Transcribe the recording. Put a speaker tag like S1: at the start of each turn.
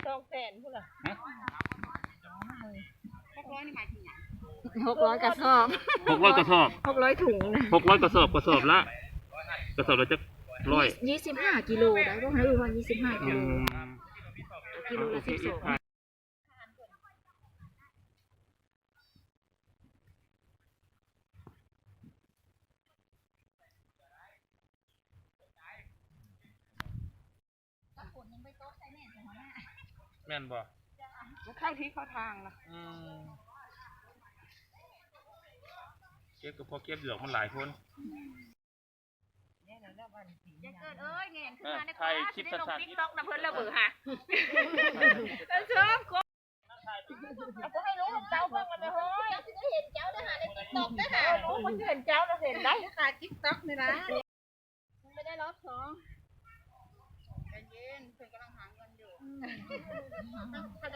S1: 200,000พุ่นล่ะ600นี่หมายถึงหยัง
S2: 600กระสอบ
S3: 600กระสอบ
S2: 600ถุงนะ
S3: 600กระสอบละจะ
S2: 25กิโลได้บ่ให้ว่า25กิโลกิโลละ12
S3: แม่นบ่
S1: เข้าที่เข้าทางล่ะ
S3: เก็บก็พอเก็บดอกมันหลายคน
S1: อย่าเกิดเงี้ยขึ้นมาในคลิปได้ลงTikTok นะเพิ่นระเบิดฮะเชิญคนเอาให้รู้ของเจ้าเบิ่งมันเลยเฮ้ยเจ้าสิได้เห็นเจ้าได้หาใน TikTok ได้หารู้มันเห็นเจ้าแล้วเห็นได้ค่ะ TikTok นี่นะมันไม่ได้รอบ2ใจเย็นเพิ่นกำลังหาเงินอยู่ถ้า